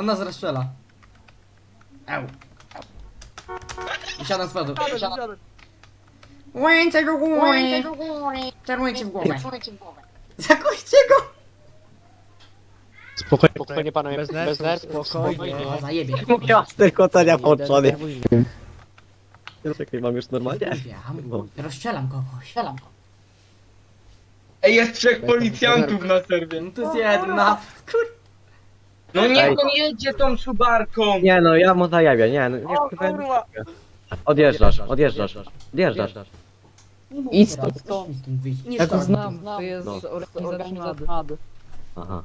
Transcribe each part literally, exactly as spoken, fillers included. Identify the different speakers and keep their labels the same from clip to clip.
Speaker 1: nas rozstrzela. Eł. I siadam z przodu. Łańce do góry. Czarujcie w głowę. Zakujcie go.
Speaker 2: Spokojnie, spokojnie panowie, bez nerw, bez nerw, spokojnie.
Speaker 1: O, zajebie.
Speaker 3: Ja z tylko cenia włączony. Czekaj, mam już normalnie?
Speaker 1: Wiem. Rozstrzelam kogoś. Strzelam go.
Speaker 4: Ej, jest trzech policjantów na serwie.
Speaker 1: No to jest jedna. Kur...
Speaker 4: No niech
Speaker 3: Ej.
Speaker 4: on jedzie tą subarką.
Speaker 3: Nie no, ja mu zajawię, nie no. Nie,
Speaker 4: O kurwa.
Speaker 3: odjeżdżasz, odjeżdżasz, odjeżdżasz. Idź
Speaker 1: Dobra,
Speaker 3: stąd.
Speaker 1: proszę mi stąd wyjść. Nie
Speaker 5: Ja to
Speaker 1: szkodzi.
Speaker 5: znam, to jest
Speaker 3: No.
Speaker 5: organizacja.
Speaker 3: Aha.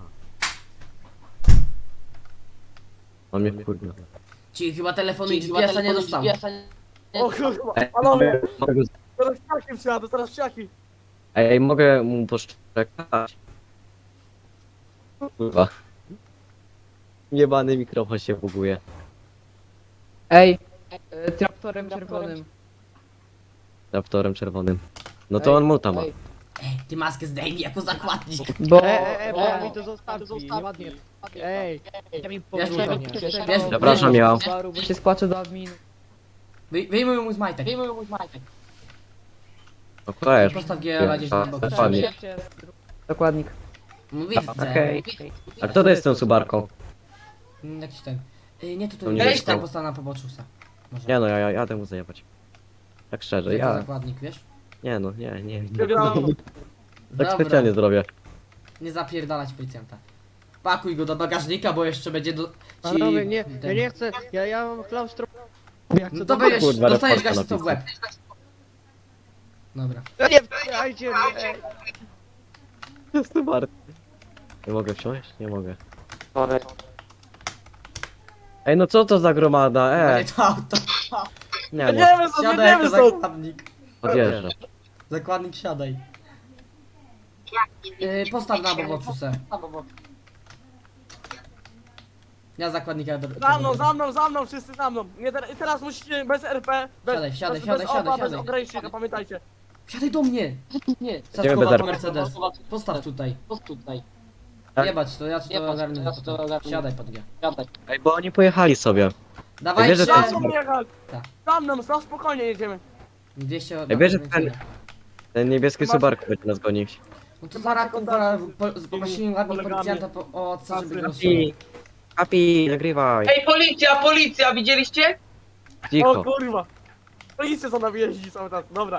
Speaker 3: On mnie wkurwił.
Speaker 1: Ci chyba telefonu i G P S-a nie dostał.
Speaker 6: O kurwa,
Speaker 3: Ej,
Speaker 6: panowie,
Speaker 3: mogę go-
Speaker 6: teraz psiaki wsiadę, teraz psiaki.
Speaker 3: Ej, mogę mu poszczekać? Kurwa. Jebany mikrofon się buguje.
Speaker 5: Ej, e, traktorem czerwonym.
Speaker 3: Raptorem czerwonym. No to
Speaker 5: Ej,
Speaker 3: on muta ma.
Speaker 5: ej.
Speaker 1: Ej, ty maskę zdejmij jako zakładnik.
Speaker 5: Bo...
Speaker 2: Ej, ej, bo mi to zostawi, ładnie. Ej, ja mi
Speaker 1: Wiesz,
Speaker 2: powodzenia.
Speaker 1: wiesz, wiesz,
Speaker 3: Zapraszam, ja.
Speaker 5: Bo się spłaczę do adminu.
Speaker 1: Wy, wyjmuj mu z majtek.
Speaker 3: No weź.
Speaker 1: Postaw G L gdzieś na bok.
Speaker 3: Dokładnie.
Speaker 5: Dokładnik.
Speaker 1: No widzę.
Speaker 3: Okej. A kto to jest tą subarką?
Speaker 1: Mm, Jakiś ten. Y, nie, to tu
Speaker 3: To
Speaker 1: nie
Speaker 3: nie
Speaker 1: jest
Speaker 3: jest
Speaker 1: tam
Speaker 3: to.
Speaker 1: postawa na poboczu se. Może.
Speaker 3: Nie no, ja, ja jadę mu zajebać. Tak szczerze,
Speaker 1: Jako
Speaker 3: ja...
Speaker 1: zakładnik, wiesz?
Speaker 3: Nie no, nie, nie. nie.
Speaker 6: Wybieram.
Speaker 3: Tak
Speaker 1: Dobra.
Speaker 3: specjalnie zrobię.
Speaker 1: Nie zapierdalać policjanta. Pakuj go do bagażnika, bo jeszcze będzie do... Ci...
Speaker 2: Panowie, nie,
Speaker 1: ten-
Speaker 2: ja nie chcę, ja, ja mam klaustrofobię. Ja chcę
Speaker 1: No
Speaker 2: do
Speaker 1: to będziesz,
Speaker 3: Kurwa,
Speaker 1: dostajesz
Speaker 3: reporta
Speaker 1: gaśnicą w łeb. Dobra.
Speaker 2: Ja nie wpychajcie mnie, ej.
Speaker 3: Jest to bardzo. Nie mogę wsiąść? Nie mogę. Ej, no co to za gromada? E,
Speaker 1: Będzie to auto.
Speaker 3: nie no,
Speaker 6: Jedziemy stąd,
Speaker 1: Siadaj jako
Speaker 6: jedziemy stąd.
Speaker 1: zakładnik.
Speaker 3: odjeżdżam.
Speaker 1: Zakładnik, siadaj. Yy, postaw na poboczu se. Ja zakładnika... do-
Speaker 6: Za mną, za mną, za mną, wszyscy za mną. Nie, ter teraz musicie bez R P, bez,
Speaker 1: Siadaj, siadaj,
Speaker 6: bez,
Speaker 1: siadaj,
Speaker 6: bez
Speaker 1: siadaj,
Speaker 6: opa, bez
Speaker 1: siadaj.
Speaker 6: ogranicznika, pamiętajcie.
Speaker 1: Siadaj do mnie!
Speaker 5: Nie.
Speaker 3: Idziemy
Speaker 1: Saczkowa
Speaker 3: bez
Speaker 1: to
Speaker 3: R P.
Speaker 1: Mercedes. Postaw tutaj.
Speaker 3: Tak?
Speaker 1: Jebać to, ja ci to ogarnę. Siadaj pod G.
Speaker 3: Ej, bo oni pojechali sobie.
Speaker 1: Dawajcie!
Speaker 3: wiesz, że to
Speaker 6: Za
Speaker 3: jest-
Speaker 6: mną jechać.
Speaker 1: Tak.
Speaker 6: Za mną, na spokojnie jedziemy.
Speaker 1: dwieście...
Speaker 3: Ej, wiesz, że
Speaker 1: no,
Speaker 3: ten- Ten niebieski subarku będzie nas gonić.
Speaker 1: No to zaraz kurwa po- poprosimy ładnie policjanta po, o co, żeby go
Speaker 3: Kapi, Kapi, nagrywaj.
Speaker 4: Ej, policja, policja, widzieliście?
Speaker 6: O
Speaker 3: Cicho.
Speaker 6: kurwa. Policja za nami jeździ cały czas, dobra.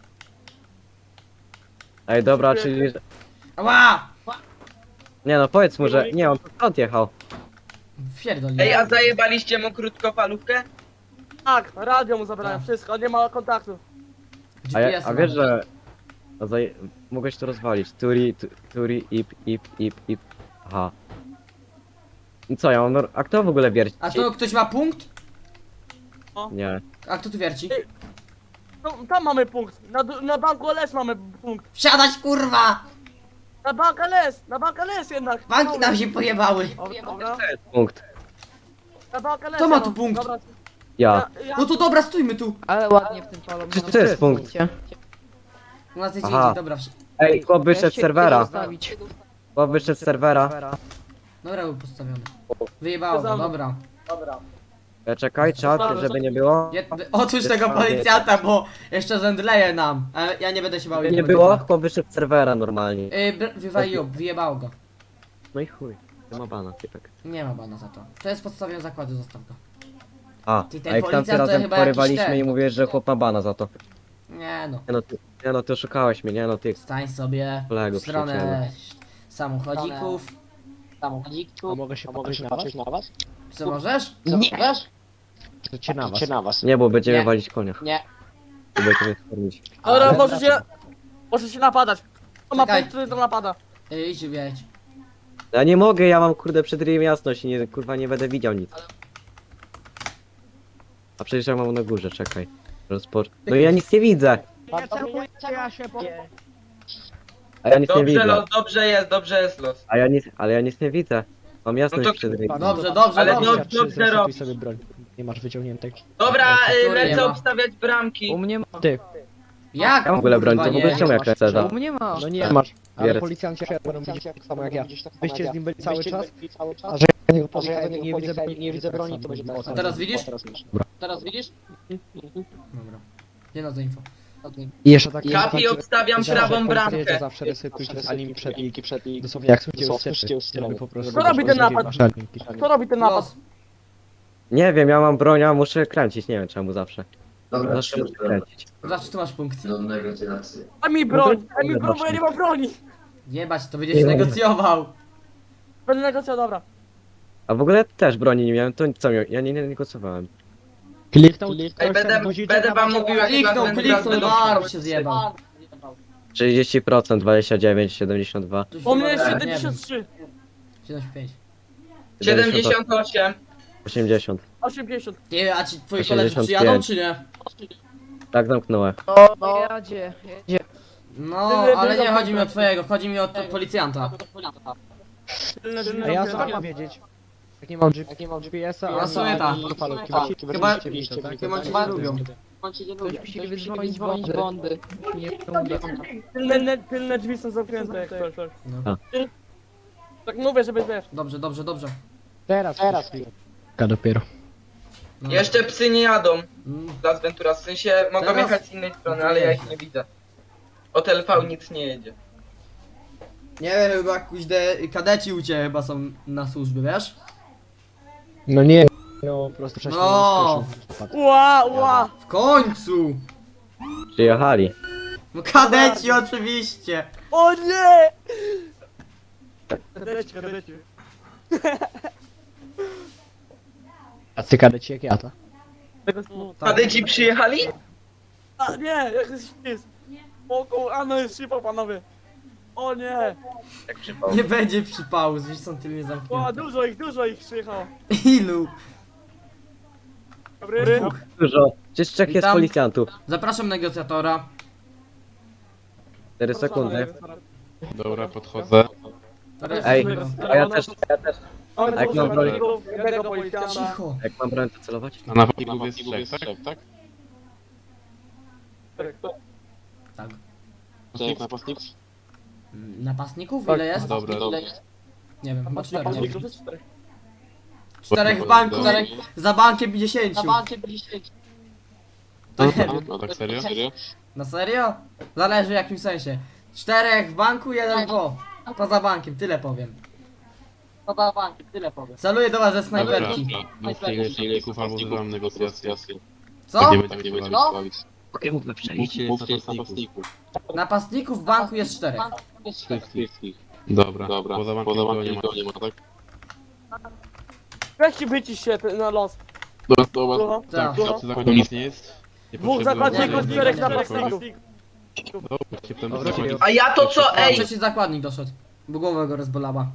Speaker 3: Ej, dobra, czyli...
Speaker 1: Ała!
Speaker 3: Nie no, powiedz mu, że... Nie, on stąd jechał.
Speaker 1: Fierdol.
Speaker 4: Ej, a zajebaliście mu krótkofalówkę?
Speaker 6: Tak, radio mu zabrałem,
Speaker 1: Tak.
Speaker 6: wszystko, nie ma kontaktu.
Speaker 3: A, ja, a wiesz, że... A zaj... Mogłeś to rozwalić. Turi, tu- turi, ip, ip, ip, ip. Aha. I co, ja mam... nor- A kto w ogóle wierci?
Speaker 1: A to ktoś ma punkt?
Speaker 3: Nie.
Speaker 1: A kto tu wierci?
Speaker 6: No, tam mamy punkt, na, du- na banku L S mamy punkt.
Speaker 1: Wsiadać kurwa!
Speaker 6: Na bank L S, na bank L S jednak.
Speaker 1: Banki nam się pojebały.
Speaker 6: O, dobra,
Speaker 3: Punkt.
Speaker 6: na bank L S.
Speaker 1: Kto ma
Speaker 6: ja
Speaker 1: tu
Speaker 6: mam.
Speaker 1: punkt?
Speaker 6: Dobra,
Speaker 3: Ja.
Speaker 6: ja, ja,
Speaker 1: No to dobra, stójmy tu.
Speaker 5: Ale ładnie w tym palą.
Speaker 3: Czy to jest punkt?
Speaker 1: U nas jest
Speaker 3: Aha.
Speaker 1: indziej, dobra. wsi-
Speaker 3: Ej, chłop wyszedł z serwera.
Speaker 5: Zostawić.
Speaker 3: Chłop wyszedł z serwera.
Speaker 1: Dobra, był postawiony. Wyjebało go, dobra.
Speaker 3: E, Czekaj, czat, żeby nie było.
Speaker 1: Je, otóż tego policjanta, bo jeszcze zemdleje nam. Ale ja nie będę się bał.
Speaker 3: Żeby
Speaker 1: i
Speaker 3: nie
Speaker 1: będę
Speaker 3: było,
Speaker 1: bał.
Speaker 3: chłop wyszedł z serwera normalnie.
Speaker 1: Yy, br- wywaliło, wyjebało go.
Speaker 3: No i chuj. Nie ma bana, typek.
Speaker 1: Nie ma bana za to. To jest podstawiony zakładu, zostaw go.
Speaker 3: A,
Speaker 1: Ty, ten
Speaker 3: a jak tamty
Speaker 1: policjant to
Speaker 3: razem
Speaker 1: chyba jakiś
Speaker 3: porywaliśmy
Speaker 1: ten.
Speaker 3: i mówisz, że chłop ma bana za to.
Speaker 1: Nie no.
Speaker 3: Nie no, ty, nie no, ty oszukałeś mnie, nie no, ty.
Speaker 1: Stań sobie
Speaker 3: Kolego,
Speaker 1: w stronę samochodzików.
Speaker 2: A mogę się popatrzeć na was?
Speaker 1: Co możesz?
Speaker 2: Nie! Cię na was. na was.
Speaker 3: Nie, bo będziemy
Speaker 1: Nie.
Speaker 3: walić konia.
Speaker 1: Nie.
Speaker 3: Bo będziemy skormić.
Speaker 6: Dobra,
Speaker 1: Ale-
Speaker 6: możecie, możecie napadać. Kto ma
Speaker 1: Czekaj.
Speaker 6: punkt, który to napada?
Speaker 1: Yy, idź wiedź.
Speaker 3: Ja nie mogę, ja mam kurde przed ryjem jasność i nie, kurwa nie będę widział nic. A przecież ja mam na górze, czekaj. Rozpocz... No ja nic nie widzę.
Speaker 2: Ja się po...
Speaker 3: A ja nic nie
Speaker 4: Dobrze
Speaker 3: widzę.
Speaker 4: los, dobrze jest, dobrze jest los.
Speaker 3: A ja nic, ale ja nic nie widzę. Mam jasność
Speaker 4: No to-
Speaker 3: przed ryjem.
Speaker 1: Dobrze, dobrze,
Speaker 4: Ale
Speaker 1: dobrze.
Speaker 4: dobrze, dobrze robisz.
Speaker 2: sobie broń. Nie masz wyciągniętej.
Speaker 4: Dobra, y,
Speaker 1: Który nie
Speaker 4: lecę
Speaker 1: ma?
Speaker 4: obstawiać bramki.
Speaker 5: U mnie ma.
Speaker 2: Ty.
Speaker 1: Jak?
Speaker 3: Ja w ogóle broń, to w
Speaker 1: Kurwa,
Speaker 3: ogóle
Speaker 1: nie.
Speaker 3: czemu jak lecę za?
Speaker 5: U mnie ma.
Speaker 2: No nie masz. Ale
Speaker 3: Wierec.
Speaker 2: policjanci będą widzieć tak samo jak ja. Wyście z nim byli cały czas. A że Może ja nie, nie widzę broni, nie widzę broni, to będzie
Speaker 1: A teraz widzisz?
Speaker 6: Teraz widzisz?
Speaker 1: Dobra. Nie no, za info.
Speaker 2: I jeszcze tak...
Speaker 4: Kapi, obstawiam prawą bramkę.
Speaker 2: Zawsze resetujcie zanim przed i przed i dosłownie jak słyszycie żeby po prostu...
Speaker 6: Kto robi ten napad? Kto robi ten napad?
Speaker 1: Los.
Speaker 3: Nie wiem, ja mam broń, a muszę kręcić, nie wiem czemu zawsze. Zawsze muszę kręcić.
Speaker 1: Zawsze tu masz punkty.
Speaker 6: A mi broń! A mi broń, bo ja nie mam broni!
Speaker 1: Jebać, to będziesz negocjował.
Speaker 6: Będę negocjował, dobra.
Speaker 3: A w ogóle też broni nie miałem, to co miałem? Ja nie nie negocjowałem.
Speaker 2: Kliknął,
Speaker 4: Ej, będę, będę wam mówił jak
Speaker 1: Kliknął,
Speaker 4: będę
Speaker 1: kliknął,
Speaker 4: będą-
Speaker 1: no się zjebał.
Speaker 3: trzydzieści procent, dwadzieścia dziewięć, siedemdziesiąt dwa.
Speaker 1: Tu się
Speaker 6: U mnie jest
Speaker 1: chyba- nie wiem,
Speaker 6: siedemdziesiąt trzy,
Speaker 1: siedemdziesiąt pięć.
Speaker 4: siedemdziesiąt osiem.
Speaker 3: osiemdziesiąt.
Speaker 6: osiemdziesiąt.
Speaker 1: Nie, a ci twoi koledzy
Speaker 3: osiemdziesiąt
Speaker 1: przyjadą,
Speaker 3: pięć.
Speaker 1: czy nie?
Speaker 3: Tak zamknąłem.
Speaker 5: Jedzie, jedzie.
Speaker 1: No, ale nie chodzi mi o twojego, chodzi mi o t- policjanta.
Speaker 6: Tylne drzwi
Speaker 2: A ja
Speaker 6: zamknięte.
Speaker 2: co mam wiedzieć? Jak nie mam G- jak nie mam G P S-a,
Speaker 1: Ja sobie tak. Chyba- Chyba cię nie lubią.
Speaker 5: Ktoś musi wydzwonić Bondy. Nie uda.
Speaker 6: Tylne, tylne drzwi są zamknięte jak coś. coś.
Speaker 1: No.
Speaker 6: Tak mówię, żeby wiesz.
Speaker 1: Dobrze, dobrze, dobrze.
Speaker 2: Teraz, teraz. dopiero.
Speaker 1: No.
Speaker 4: Jeszcze psy nie jadą.
Speaker 1: Mm,
Speaker 4: Las Ventura, w sensie mogą
Speaker 1: Teraz?
Speaker 4: jechać z innej strony, ale ja ich nie widzę. Od L V nic nie jedzie.
Speaker 1: Nie wiem, chyba kuźde kadeci u ciebie chyba są na służbie, wiesz?
Speaker 2: No nie. No po prostu wcześniej
Speaker 1: No.
Speaker 2: skoczył.
Speaker 6: Ła, ła!
Speaker 1: W końcu!
Speaker 3: Przyjechali.
Speaker 1: No kadeci oczywiście!
Speaker 6: O nie! Kadeci, kadeci.
Speaker 2: A ty kadeci jak ja to?
Speaker 6: Tego snu.
Speaker 1: Tak.
Speaker 4: Kadeci przyjechali?
Speaker 6: A nie, jak jest śpis. O kur... a no jest szypa, panowie. O nie!
Speaker 4: Jak przypał.
Speaker 1: Nie będzie przypału, zresztą są tylnie
Speaker 6: O,
Speaker 1: zamknięte.
Speaker 6: dużo ich, dużo ich przyjechało.
Speaker 1: Ilu?
Speaker 6: Dobry.
Speaker 3: Dużo. Przecież trzech jest
Speaker 1: Witam.
Speaker 3: policjantów.
Speaker 1: Zapraszam negocjatora.
Speaker 3: cztery sekundy.
Speaker 7: Dobra, podchodzę.
Speaker 3: Ej, a ja też, ja też.
Speaker 6: Mamy
Speaker 3: Jak
Speaker 6: dwóch
Speaker 3: mam broń?
Speaker 6: zawodników, jednego policjanta.
Speaker 1: Cicho.
Speaker 3: Jak mam broń to celować?
Speaker 7: Na napastników jest trzech, tak? Tak.
Speaker 1: Tak.
Speaker 7: Trzech napastników?
Speaker 1: Mm, Napastników?
Speaker 6: Tak.
Speaker 1: Ile jest?
Speaker 7: Dobra, dobra.
Speaker 1: Nie wiem, chyba cztery. Nie
Speaker 6: Napastników
Speaker 1: wiem.
Speaker 6: jest czterech.
Speaker 1: Czterech w banku,
Speaker 7: Dobra.
Speaker 1: za bankiem dziesięciu. To nie wiem.
Speaker 7: No tak serio? Serio?
Speaker 1: Na serio? Zależy w jakim sensie. Czterech w banku, jeden po. Poza bankiem, tyle powiem.
Speaker 6: Poza bankiem, tyle powiem.
Speaker 1: Celuję do was ze
Speaker 7: Dobra,
Speaker 1: snajperki.
Speaker 7: dwóch napastników albo wzywam negocjacje.
Speaker 1: Co?
Speaker 7: Tak nie będziemy się bawić.
Speaker 3: Okej, mówmy przejść.
Speaker 7: Mówcie jest napastników.
Speaker 1: Napastników w banku jest czterech.
Speaker 7: Wszystkich. Dobra, dobra. Poza bankiem nikogo nie ma, nie ma, tak?
Speaker 6: Weźcie wycisz się ty- na los.
Speaker 7: Dobra, dobra.
Speaker 6: Słucham?
Speaker 7: Tak,
Speaker 1: Tak.
Speaker 7: w przy zakładzie nic nie jest. Nie
Speaker 6: Dwóch
Speaker 7: potrzebuję
Speaker 6: zakładników,
Speaker 7: żadnej
Speaker 6: czterech
Speaker 7: jakiejkolwiek-
Speaker 6: napastników.
Speaker 7: Dobra, się potem
Speaker 3: Dobra,
Speaker 7: zakładnik-
Speaker 4: A ja to co, ej!
Speaker 1: Trzeci zakładnik doszedł. Bo głowa go rozbolała.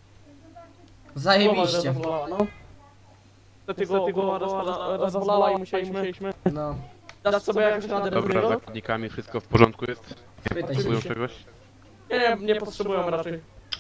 Speaker 1: Zajebiście.
Speaker 6: Niestety go głowa rozpala- rozbolała i musieliśmy
Speaker 1: No,
Speaker 6: dać sobie jakąś radę bez
Speaker 7: Dobra, z
Speaker 6: niego.
Speaker 7: zakładnikami wszystko w porządku jest?
Speaker 1: pytaj się.
Speaker 7: Potrzebują czegoś?
Speaker 6: Nie, nie, nie potrzebują raczej.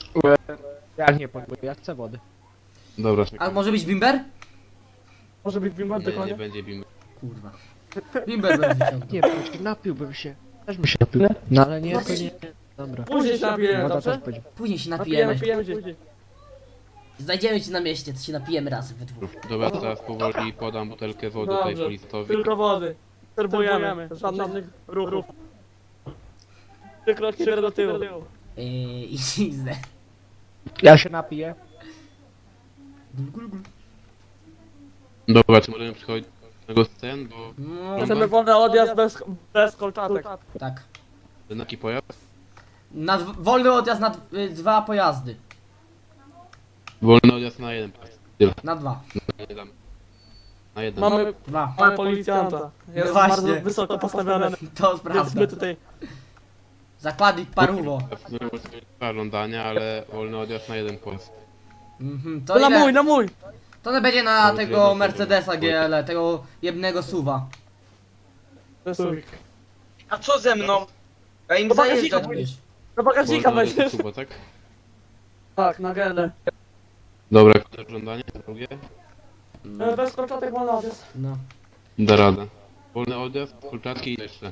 Speaker 2: Jak nie potrzebuję, ja chcę wody.
Speaker 7: Dobra,
Speaker 1: A może być bimber?
Speaker 6: Może być bimba do
Speaker 7: nie, nie
Speaker 6: konia?
Speaker 7: będzie bim.
Speaker 1: Kurwa. Bimber będzie wyciągnął.
Speaker 2: Nie, przecież napiłbym się. Też bym się napił. No ale nie, to nie. Dobra.
Speaker 6: Później się napijemy,
Speaker 2: Woda
Speaker 6: dobrze?
Speaker 2: też będzie.
Speaker 1: Później się
Speaker 6: Napijemy,
Speaker 1: napijemy.
Speaker 6: napijemy się.
Speaker 1: Znajdziemy cię na mieście, to się napijemy razem we dwóch.
Speaker 7: Dobra, teraz powoli podam butelkę wody tutaj
Speaker 6: Dobrze,
Speaker 7: policjatowi.
Speaker 6: tylko wody. Serwujemy, żadnych ruchów. Trzy kroki do tyłu.
Speaker 1: Yy, I zizdę.
Speaker 2: Ja się napiję.
Speaker 1: Gul, gul, gul.
Speaker 7: Dobra, czy możemy przychodzić do tego scen, bo
Speaker 1: No,
Speaker 6: Chcemy wolny odjazd bez, bez kolczatek.
Speaker 1: tak.
Speaker 7: taki pojazd?
Speaker 1: Na dw- wolny odjazd na d- y, dwa pojazdy.
Speaker 7: Wolny odjazd na jeden pas. Tyle,
Speaker 1: Na dwa.
Speaker 7: na jeden. Na jeden.
Speaker 6: Mamy,
Speaker 1: Dwa.
Speaker 6: mamy policjanta. Jest
Speaker 1: No właśnie.
Speaker 6: bardzo wysoko postawiony.
Speaker 1: To
Speaker 6: Więc
Speaker 1: prawda.
Speaker 6: my tutaj...
Speaker 1: Zakładnik paruwo.
Speaker 7: Dwa żądania, ale wolny odjazd na jeden pojazd.
Speaker 1: Mhm, to
Speaker 6: To na
Speaker 1: ile?
Speaker 6: mój, na mój!
Speaker 1: To nie będzie na
Speaker 7: To
Speaker 1: tego
Speaker 7: jest
Speaker 1: Mercedesa
Speaker 7: jeden.
Speaker 1: G L, tego jebnego suwa.
Speaker 6: Wysuwik.
Speaker 4: A co ze mną? Ja im
Speaker 6: Do bagażnika
Speaker 4: zajeżdżać.
Speaker 6: pójdziesz. Do bagażnika
Speaker 7: Wolny odjazd
Speaker 6: będziesz.
Speaker 7: Kuba, tak?
Speaker 6: Tak, na gelę.
Speaker 7: Dobra, które żądanie? Drugie?
Speaker 6: E, Bez kolczatek wolny odjazd.
Speaker 1: No.
Speaker 7: Da radę. Wolny odjazd, kulczatki i jeszcze.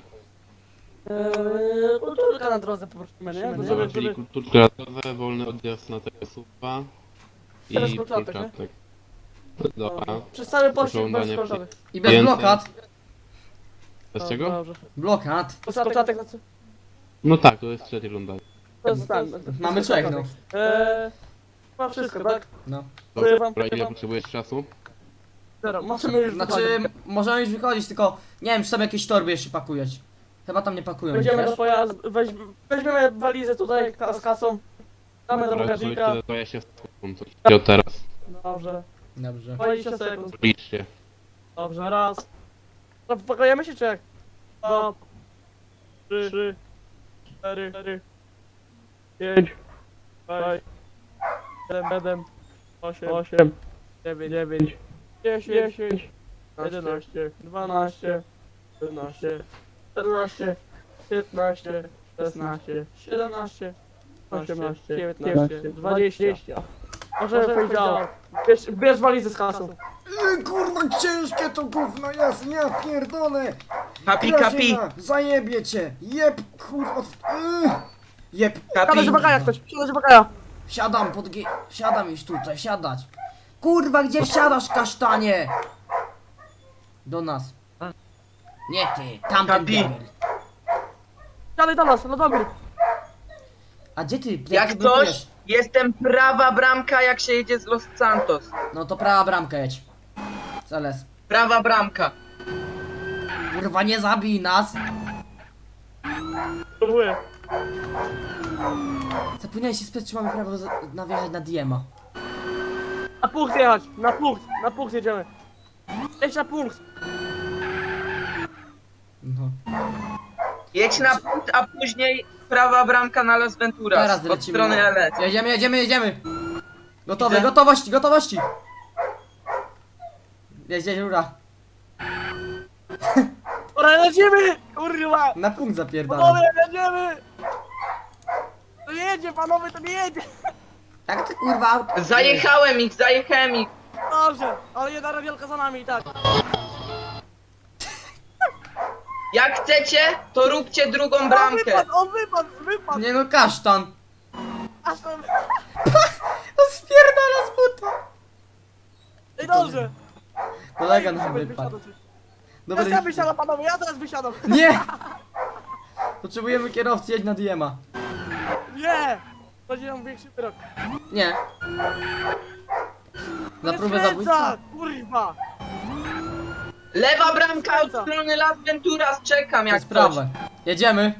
Speaker 6: Eee, kulturka na drodze poprosimy, nie?
Speaker 1: No,
Speaker 6: Żeby,
Speaker 7: Dobra,
Speaker 6: żeby,
Speaker 7: czyli kulturka radowe, wolny odjazd na tego suwa.
Speaker 6: Teraz
Speaker 7: i
Speaker 6: początek, nie?
Speaker 7: początek. Dobra.
Speaker 6: Przez cały pościg
Speaker 7: Oglądanie
Speaker 6: bez końcowych.
Speaker 1: I bez
Speaker 7: Więcej.
Speaker 1: blokad.
Speaker 7: Bez czego?
Speaker 6: Dobrze.
Speaker 1: Blokad.
Speaker 6: Początek na co?
Speaker 7: No tak, to jest trzecia runda.
Speaker 6: To jest ten.
Speaker 1: Mamy trzech, no.
Speaker 6: Eee, ma wszystko, tak?
Speaker 1: No.
Speaker 6: Dziękuję wam,
Speaker 7: Dobra, ile
Speaker 6: dziękuję wam.
Speaker 7: potrzebujesz czasu?
Speaker 6: Dobra, możemy już
Speaker 1: Znaczy,
Speaker 6: wychodzić.
Speaker 1: możemy już wychodzić, tylko nie wiem, czy tam jakieś torby jeszcze pakujesz. Chyba tam nie pakują,
Speaker 6: Wejdziemy do
Speaker 1: wiesz?
Speaker 6: pojazdu, weź, weźmiemy walizę tutaj ka- z kasą. Damy do
Speaker 7: Dobra,
Speaker 6: bagażnika.
Speaker 7: słuchajcie, to ja się sekund. Co od teraz?
Speaker 6: Dobrze.
Speaker 1: Dobrze.
Speaker 6: dwadzieścia sekund.
Speaker 7: Liczcie.
Speaker 6: Dobrze, raz. No, pakujemy się czy jak? Dwa. Trzy. Trzy. Cztery. Cztery. Pięć. Sześć. Siedem. Siedem. Osiem. Osiem. Dziewięć. Dziewięć. Dziesięć. Dziesięć. Jedenaście. Dwanaście. Trzynaście. Czternaście. Piętnaście. Szesnaście. Siedemnaście. Osiemnaście. Dziewiętnaście. Dwadzieścia. Możemy pójść dalej. Bierz, bierz walizę z kasą.
Speaker 1: Yy, kurwa, ciężkie to gówno jest, ja pierdolę!
Speaker 4: Kapi, kapi,
Speaker 1: Zajebie cię! Jeb, kurwa, yy. Jeb,
Speaker 6: Siadaj
Speaker 4: kapi.
Speaker 6: z bagaja ktoś, siadaj z bagaja.
Speaker 1: siadam pod gi... siadam już tutaj, siadać. Kurwa, gdzie wsiadasz, kasztanie? Do nas. Nie ty, tamten
Speaker 4: Kapi.
Speaker 1: debil.
Speaker 6: Siadaj do nas, no dobry.
Speaker 1: A gdzie ty?
Speaker 4: Jak
Speaker 1: ty
Speaker 4: coś,
Speaker 1: blokujesz?
Speaker 4: jestem prawa bramka jak się jedzie z Los Santos.
Speaker 1: No to prawa bramka jedź. Celes.
Speaker 4: Prawa bramka.
Speaker 1: Kurwa, nie zabij nas.
Speaker 6: Próbuję.
Speaker 1: Zapomniałeś się spytać, czy mamy prawo za- na wjechać na Diema.
Speaker 6: Na punkt jechać, na punkt, na punkt jedziemy. Jedź na punkt.
Speaker 1: No.
Speaker 4: Jedź na punkt, a później prawa bramka na Las Venturas.
Speaker 1: Teraz
Speaker 4: Od
Speaker 1: lecimy.
Speaker 4: strony L S.
Speaker 1: Jedziemy, jedziemy, jedziemy! Gotowe,
Speaker 4: Widzę.
Speaker 1: gotowości, gotowości! Jeźdź, rura.
Speaker 6: Dobra, lecimy! Kurwa!
Speaker 1: Na punkt zapierdala.
Speaker 6: Panowie, jedziemy! To nie jedzie, panowie, to nie jedzie!
Speaker 1: Jak ty kurwa auto?
Speaker 4: Zajechałem ich, zajechałem ich.
Speaker 6: Dobrze, ale jedna radiolka za nami i tak.
Speaker 4: Jak chcecie, to róbcie drugą
Speaker 6: On
Speaker 4: bramkę.
Speaker 6: wypadł, on wypadł, wypadł!
Speaker 1: Nie no, kasztan.
Speaker 6: Aż to...
Speaker 1: On spierdala z buta.
Speaker 6: I dobrze!
Speaker 1: Kolega nam
Speaker 6: Wysiadł,
Speaker 1: wypadł.
Speaker 6: wysiadł.
Speaker 1: Dobra,
Speaker 6: Teraz ja wysiadam, panowie, ja teraz wysiadam!
Speaker 1: nie! Potrzebujemy kierowcy, jedź na Diema.
Speaker 6: Nie! Będzie nam większy wyrok.
Speaker 1: Nie. Za
Speaker 6: Nie
Speaker 1: próbę
Speaker 6: skręca,
Speaker 1: zabójstwa?
Speaker 6: kurwa!
Speaker 4: Lewa bramka od strony Las Venturas, czekam
Speaker 1: To
Speaker 4: jak
Speaker 1: jest
Speaker 4: coś.
Speaker 1: prawe. Jedziemy.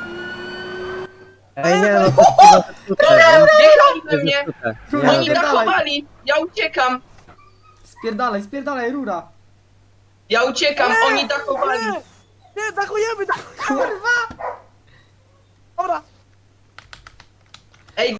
Speaker 2: Ej, nie, no to chyba zepsute,
Speaker 4: Wjechali we
Speaker 2: nie?
Speaker 4: mnie,
Speaker 2: Zepsute.
Speaker 1: Kurwa,
Speaker 4: oni
Speaker 1: spierdalaj.
Speaker 4: dachowali, ja uciekam,
Speaker 1: Spierdalaj, spierdalaj, rura.
Speaker 4: ja uciekam, oni dachowali.
Speaker 6: Nie! Nie, dachujemy, dachujemy!
Speaker 1: Kurwa!